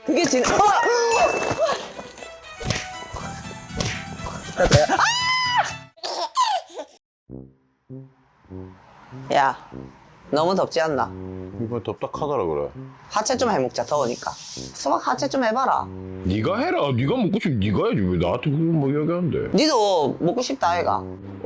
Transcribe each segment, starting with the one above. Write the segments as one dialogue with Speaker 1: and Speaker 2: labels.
Speaker 1: 그게 진. 야, 너무 덥지 않나?
Speaker 2: 이거 덥닥하더라 그래.
Speaker 1: 하체 좀 해먹자, 더우니까. 수박 하체 좀 해봐라.
Speaker 2: 네가 해라. 네가 먹고 싶으면 네가 해야지. 왜 나한테 그걸 뭐 이야기하는데?
Speaker 1: 니도 먹고 싶다, 아이가.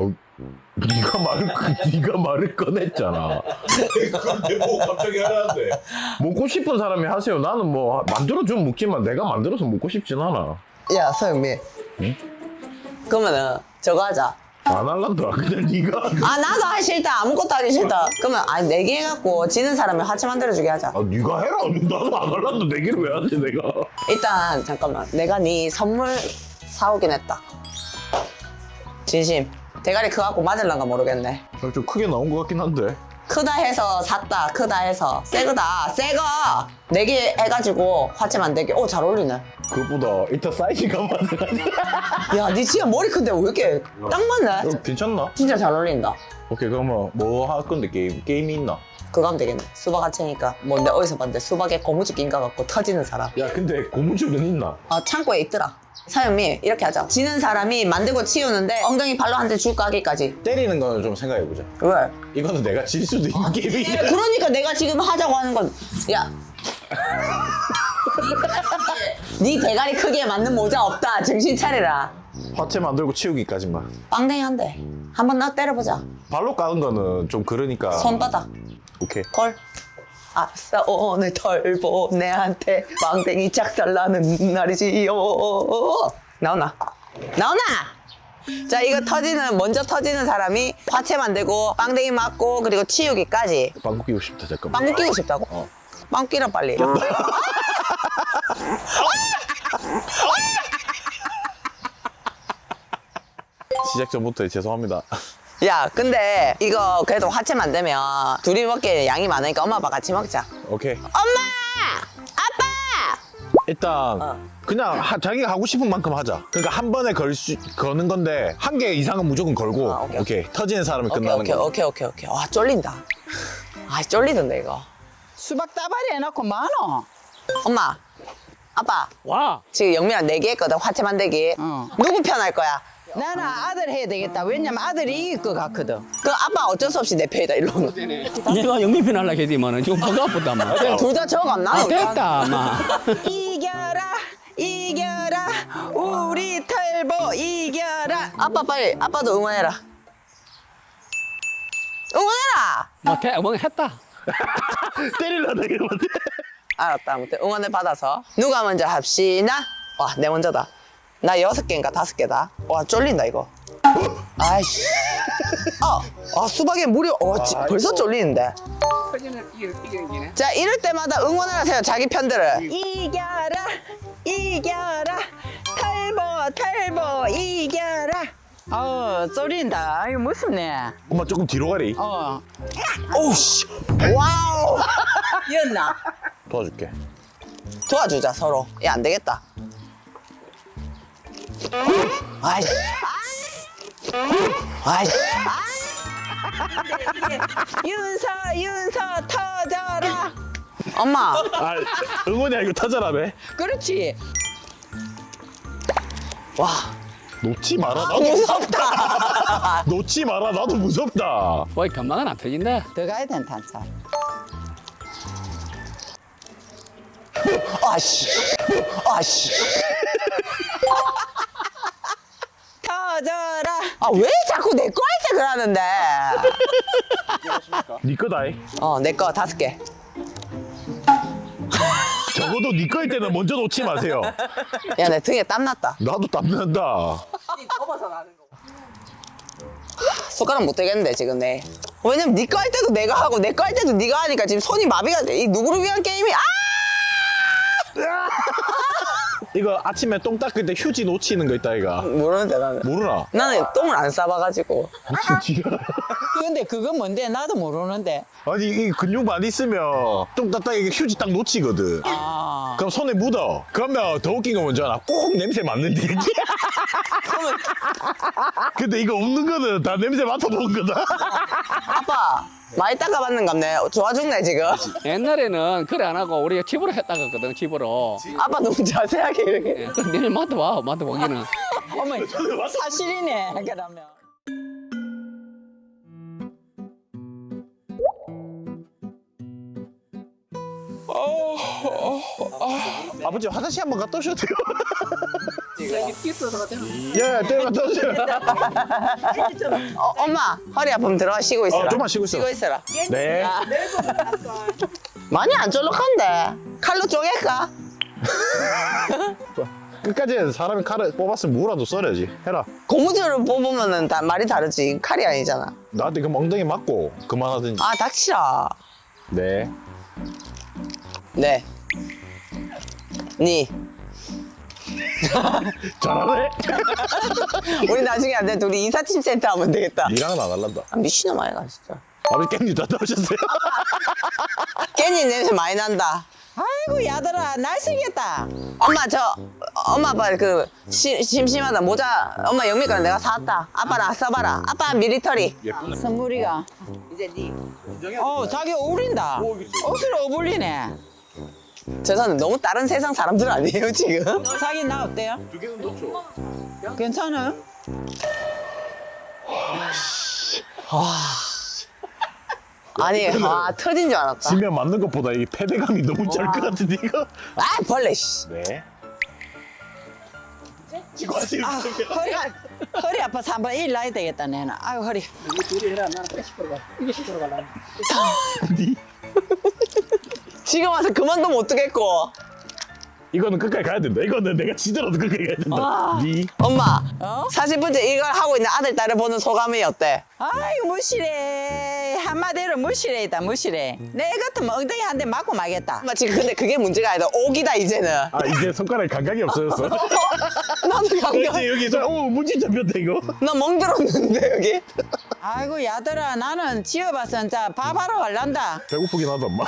Speaker 2: 네가 말을 꺼냈잖아. 근데 뭐 갑자기 하라는데? 먹고 싶은 사람이 하세요. 나는 뭐 만들어주면 먹지만 내가 만들어서 먹고 싶진 않아.
Speaker 1: 야, 서영미.
Speaker 2: 응?
Speaker 1: 그러면은 저거 하자.
Speaker 2: 안 할란다. 그냥 네가.
Speaker 1: 아, 나도 하기 싫다. 아무것도 하기 싫다. 그러면 내기 해갖고 지는 사람이 하체 만들어주게 하자.
Speaker 2: 아, 네가 해라. 나도 안 할란다. 내기를 왜 하지 내가?
Speaker 1: 일단 잠깐만. 내가 네 선물 사오긴 했다. 진심. 대가리 커갖고 맞을란가 모르겠네.
Speaker 2: 좀 크게 나온 것 같긴 한데.
Speaker 1: 크다 해서 샀다. 크다 해서 새거다. 새거. 내기 해가지고 화채 만들기. 오, 잘 어울리네.
Speaker 2: 그것보다 일단 사이즈가 맞아.
Speaker 1: 야, 니 진짜 머리 큰데 왜 이렇게 딱 맞네?
Speaker 2: 괜찮나?
Speaker 1: 진짜 잘 어울린다.
Speaker 2: 오케이, 그러면 뭐 할 건데 게임이 있나?
Speaker 1: 그거 하면 되겠네. 수박 화채니까. 뭐 내가 어디서 봤는데 수박에 고무줄 낀가 갖고 터지는 사람.
Speaker 2: 야, 근데 고무줄은 있나?
Speaker 1: 창고에 있더라. 사연미 이렇게 하자. 지는 사람이 만들고 치우는데 엉덩이 발로 한 대 줄까 하기까지.
Speaker 2: 때리는 거는 좀 생각해보자.
Speaker 1: 왜?
Speaker 2: 이거는 내가 질 수도 있는 게임이야.
Speaker 1: 그러니까 내가 지금 하자고 하는 건, 야. 네 대가리 크기에 맞는 모자 없다. 정신 차리라.
Speaker 2: 화채 만들고 치우기까지만.
Speaker 1: 빵댕이 한 대. 한번 나 때려보자.
Speaker 2: 발로 까는 거는 좀 그러니까.
Speaker 1: 손바닥.
Speaker 2: 오케이.
Speaker 1: 걸. 아싸 오늘 털보 내한테 빵댕이 작살나는 날이지요. 나오나? 나오나? 자, 이거 먼저 터지는 사람이 화채 만들고 빵댕이 맞고 그리고 치우기까지.
Speaker 2: 방구 끼고 싶다, 잠깐만.
Speaker 1: 빵 끼고 싶다고? 빵 끼라 빨리.
Speaker 2: 시작 전부터 죄송합니다.
Speaker 1: 야, 근데 이거 그래도 화채 만들면 둘이 먹기에 양이 많으니까 엄마 아빠 같이 먹자.
Speaker 2: 오케이.
Speaker 1: 엄마! 아빠!
Speaker 2: 일단 그냥 자기가 하고 싶은 만큼 하자. 그러니까 한 번에 거는 건데 한 개 이상은 무조건 걸고.
Speaker 1: 오케이.
Speaker 2: 오케이. 터지는 사람이
Speaker 1: 오케이,
Speaker 2: 끝나는
Speaker 1: 오케이,
Speaker 2: 거.
Speaker 1: 오케이, 오케이, 오케이. 와, 쫄린다. 아, 쫄리던데 이거.
Speaker 3: 수박 따발이 해놓고 많어.
Speaker 1: 엄마, 아빠,
Speaker 4: 와.
Speaker 1: 지금 영미랑 내기 했거든, 화채 만들기.
Speaker 3: 어.
Speaker 1: 누구 편 할 거야?
Speaker 3: 나는 아들 해야 되겠다. 왜냐면 아들이 이길 것 같거든.
Speaker 1: 그 아빠 어쩔 수 없이 내 편이다, 일로 오는.
Speaker 4: 내가 영미편 하려고 했더니만은 지금 뭐가 아프다, 마.
Speaker 1: 둘 다 저거 안 나와.
Speaker 4: 아, 됐다, 마.
Speaker 3: 이겨라, 이겨라, 우리 털보 이겨라.
Speaker 1: 아빠 빨리, 아빠도 응원해라. 응원해라!
Speaker 4: 뭐, 뭐 했다.
Speaker 2: 때리려다 이러면 돼.
Speaker 1: 알았다, 아무튼 응원을 받아서. 누가 먼저 합시나? 와, 내 먼저다. 나 6개인가 5개다. 와, 쫄린다, 이거. 아이씨. 수박에 물이, 벌써 쫄리는데. 자, 이럴 때마다 응원을 하세요, 자기 편들을.
Speaker 3: 이겨라, 이겨라, 털보 이겨라. 쫄린다. 이거 무섭네.
Speaker 2: 엄마 조금 뒤로 가리.
Speaker 1: 오우씨. 와우.
Speaker 3: 이었나?
Speaker 2: 도와줄게.
Speaker 1: 도와주자, 서로. 야, 안 되겠다. 아이씨. 아이씨.
Speaker 3: 윤서 터져라.
Speaker 1: 엄마.
Speaker 2: 응원이 아니고 타자라며.
Speaker 3: 그렇지.
Speaker 1: 와,
Speaker 2: 놓지 마라. 나도
Speaker 1: 무섭다.
Speaker 2: 놓지 마라. 나도 무섭다.
Speaker 4: 뭐, 금방은 안 터진다.
Speaker 3: 더 가야 된다, 차.
Speaker 1: 아씨. 아씨.
Speaker 3: 터져라.
Speaker 1: 왜 자꾸 내 거 할 때 그러는데?
Speaker 2: 네 거다이.
Speaker 1: 내 거 5개.
Speaker 2: 적어도 네 거일 때는 먼저 놓지 마세요.
Speaker 1: 야, 내 등에 땀 났다.
Speaker 2: 나도 땀난다.
Speaker 1: 숟가락 못 들겠는데, 지금 내. 왜냐면 네 거 할 때도 내가 하고 내 거 할 때도 네가 하니까 지금 손이 마비가 돼. 이 누구를 위한 게임이?
Speaker 2: 이거 아침에 똥 닦을 때 휴지 놓치는 거 있다 이가.
Speaker 1: 모르는데, 나는.
Speaker 2: 모르나?
Speaker 1: 나는 똥을 안 싸봐가지고.
Speaker 2: 지가.
Speaker 3: 근데 그거 뭔데? 나도 모르는데.
Speaker 2: 아니 이 근육 많이 쓰면 똥 닦다가 이게 휴지 딱 놓치거든. 그럼 손에 묻어. 그러면 더 웃긴 건 뭔지 알아? 꼭 냄새 맡는데 이게. 근데 이거 없는 거는 다 냄새 맡아본 거다.
Speaker 1: 아빠, 많이 닦아봤는갑네. 좋아 죽네 지금.
Speaker 4: 옛날에는 그래 안 하고 우리가 집으로 했다거든, 집으로.
Speaker 1: 아빠 너무 자세하게 이렇게.
Speaker 4: 예, 그럼 내일 맡아봐, 맡아보기는.
Speaker 3: 어머 사실이네 그러면.
Speaker 2: 아버지 화장실 한번 갔다 오셔도 돼요. 예, 때려 갔다 오세요.
Speaker 1: 엄마 허리 아프면 들어가 쉬고 있어라.
Speaker 2: 좀만 쉬고 있어.
Speaker 1: 쉬고 있어라.
Speaker 2: 네.
Speaker 1: 많이 안 쫄록한데. 칼로 쪼갤까?
Speaker 2: 끝까지 해서 사람이 칼을 뽑았으면 무라도 썰어야지. 해라.
Speaker 1: 고무줄을 뽑으면은 다 말이 다르지. 칼이 아니잖아.
Speaker 2: 나한테 그 엉덩이 맞고 그만하든지.
Speaker 1: 아 닥치라.
Speaker 2: 네.
Speaker 1: 네. 니.
Speaker 2: 잘하네.
Speaker 1: 우리 나중에 안 돼. 둘이 이삿짐 센터 하면 되겠다.
Speaker 2: 니랑은 안 할란다.
Speaker 1: 아, 미친놈 아이가 진짜.
Speaker 2: 아버지 깻잎 갔다 오셨어요?
Speaker 1: 깻잎 냄새 많이 난다.
Speaker 3: 아이고 야들아 날씨겠다.
Speaker 1: 엄마 아빠 그 심심하다 모자 엄마 영미가 내가 사왔다. 아빠랑 써봐라. 아빠 미리터리.
Speaker 3: 선물이가.
Speaker 1: 이제 니.
Speaker 3: 자기 어울린다. 옷을 어울리네.
Speaker 1: 죄송한데 너무 다른 세상 사람들 아니에요 지금?
Speaker 3: 자기 나 어때요?
Speaker 2: 두 개는 넣죠.
Speaker 3: 괜찮아?
Speaker 1: 아니 터진 줄 알았다.
Speaker 2: 지면 맞는 것보다 이 패배감이 너무 짤 것 같은데 이거.
Speaker 1: 아 벌레 씨.
Speaker 2: 네. 지금 하세요.
Speaker 3: 허리 아파서 한번 일 나야 되겠다 내는. 아유 허리.
Speaker 1: 지금 와서 그만두면 어떡했고.
Speaker 2: 이거는 끝까지 가야 된다. 이거는 내가 지더라도 끝까지 가야 된다. 니.
Speaker 1: 엄마
Speaker 3: 어?
Speaker 1: 40분째 이걸 하고 있는 아들 딸을 보는 소감이 어때?
Speaker 3: 아이고 무시래. 한마디로 무시래이다 무시래. 내 같으면 엉덩이 한 대 맞고 말겠다.
Speaker 1: 엄마 지금 근데 그게 문제가 아니다. 옥이다 이제는.
Speaker 2: 아 이제 손가락 감각이 없어졌어.
Speaker 1: 나도 감각.
Speaker 2: 이제 여기서 문제 잡혔다 이거.
Speaker 1: 나 멍들었는데 여기.
Speaker 3: 아이고 야들아 나는 지어봐서 진짜 밥하러 갈란다.
Speaker 2: 배고프긴 하다 엄마.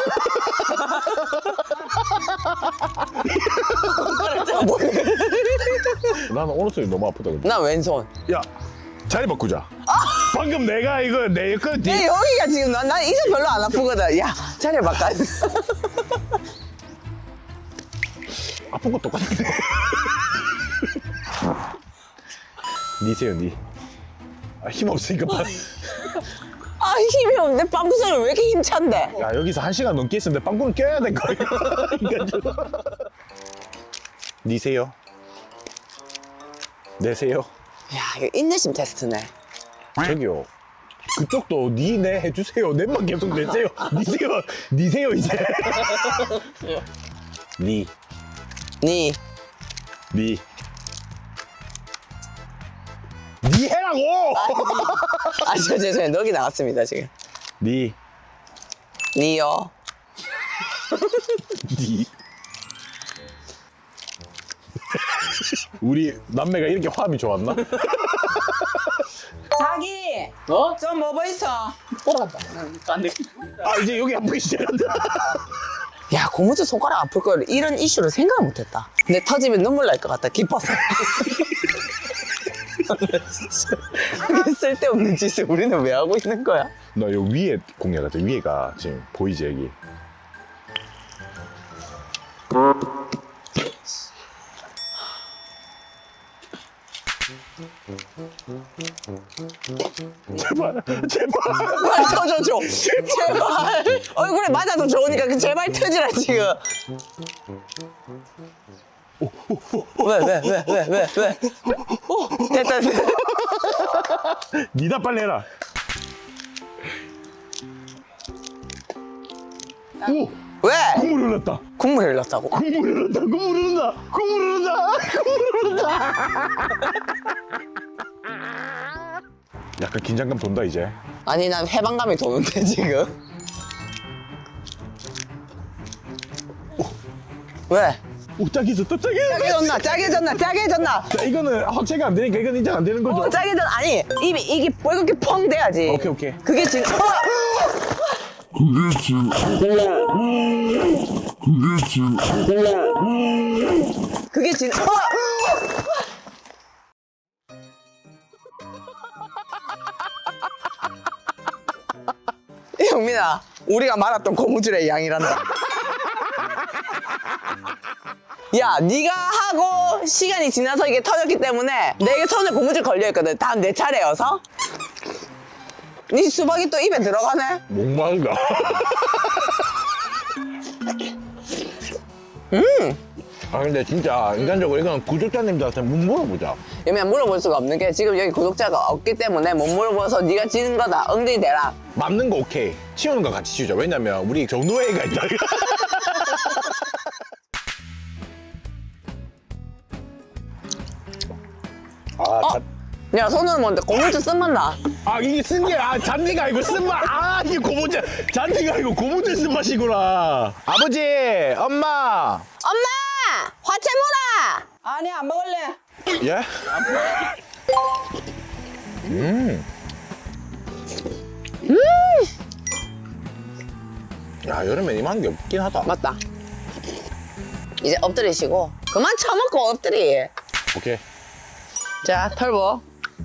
Speaker 2: 나는 오른손이 너무 아프다 근데.
Speaker 1: 나 왼손.
Speaker 2: 야 자리 바꾸자. 방금 내가 이거 내 거 뒤.
Speaker 1: 내 여기가 지금 난 이제 별로 안 아프거든. 야 자리 바꿔.
Speaker 2: 아픈 거 똑같은데. 니세요 니. 아, 힘 없으니까.
Speaker 1: 아 힘이 없는데 빵구 소리 왜 이렇게 힘찬데?
Speaker 2: 야 여기서 1시간 넘게 있었는데 빵꾸는 껴야 될 거야. 니세요. 내세요.
Speaker 1: 야 이거 인내심 테스트네.
Speaker 2: 저기요. 그쪽도 니네 해주세요. 내만 계속 내세요. 니세요. 니세요 이제. 니.
Speaker 1: 니.
Speaker 2: 니. 니 해라고!
Speaker 1: 저 죄송해요. 넉이 나왔습니다 지금.
Speaker 2: 니.
Speaker 1: 니요.
Speaker 2: 니. 우리 남매가 이렇게 화음이 좋았나?
Speaker 3: 자기 좀 뭐 있어?
Speaker 2: 아 이제 여기 아프기 시작한다.
Speaker 1: 야 고무줄 손가락 아플 걸 이런 이슈를 생각을 못했다. 근데 터지면 눈물 날 것 같다. 기뻐서. 진짜 이게 쓸데없는 짓을 우리는 왜 하고 있는 거야?
Speaker 2: 나 여기 위에 공략하자. 위에가 지금 보이지 여기. 제발 제발.
Speaker 1: 제발 터져줘. 제발. 얼굴에 맞아도 좋으니까 그 제발 터지라 지금. 왜? 됐다.
Speaker 2: 니다 빨리 해라. 오
Speaker 1: 왜?
Speaker 2: 국물 흘렀다.
Speaker 1: 국물 흘렀다고?
Speaker 2: 국물 흐른다, 국물 흐른다, 국물 흐른다, 국물 흐른다. 약간 긴장감 돈다 이제.
Speaker 1: 아니 난 해방감이 도는데 지금. 왜?
Speaker 2: 오 짜게 졌다, 짜게 졌다.
Speaker 1: 짜게 졌나?
Speaker 2: 자 이거는 확체가 안 되니까 이건 인정 안 되는 거죠.
Speaker 1: 짜게 졌 아니 이게 이렇게 펑 돼야지.
Speaker 2: 오케이.
Speaker 1: 그게 지금. 그게 지금. 선인아, 우리가 말했던 고무줄의 양이란다. 야, 네가 하고 시간이 지나서 이게 터졌기 때문에 내 손에 고무줄 걸려있거든. 다음 내 차례여서. 네 수박이 또 입에 들어가네?
Speaker 2: 목마르다. 아 근데 진짜 인간적으로 이건 구독자님들한테 못 물어보자.
Speaker 1: 그러면 물어볼 수가 없는 게 지금 여기 구독자가 없기 때문에 못 물어봐서 네가 지는 거다. 엉덩이 대라.
Speaker 2: 맞는 거 오케이. 치우는 거 같이 치우자. 왜냐면 우리 정노예가 있다.
Speaker 1: 야, 손으로 먹는데 고무줄 쓴맛 나.
Speaker 2: 아 이게 쓴 게 잔디가 아니고 쓴맛. 아 이게 고무줄 잔디가 아니고 고무줄 쓴맛이구나. 아버지, 엄마.
Speaker 1: 엄마! 화채 물어!
Speaker 3: 아니 안 먹을래.
Speaker 2: 예? 야 여름에 이만한 게 없긴 하다.
Speaker 1: 맞다. 이제 엎드리시고 그만 처먹고 엎드리.
Speaker 2: 오케이.
Speaker 1: 자, 털보.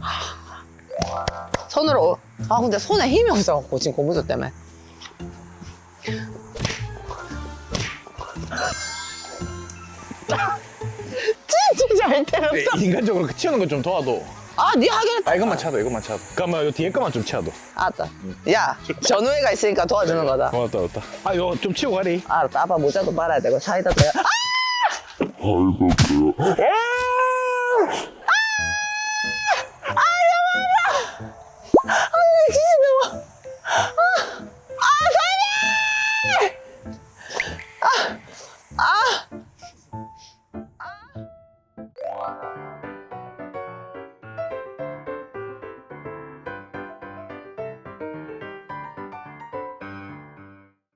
Speaker 1: 손으로. 아, 근데 손에 힘이 없어갖고 지금 고무줄 때문에. 진짜 잘 때렸다.
Speaker 2: 인간적으로 그 치우는 거 좀 도와도.
Speaker 1: 아, 네 하겠다.
Speaker 2: 아 이것만 차도 이것만 차도. 그러면 요 뒤에 거만 좀 치워도.
Speaker 1: 알았다. 야, 전우회가 있으니까 도와주는 거다.
Speaker 2: 고맙다 고맙다. 아 이거 좀 치우고 가리.
Speaker 1: 알았다. 아빠 모자도 빨아야 되고 사이다 돼요. 아! 진짜 너무. 선생님!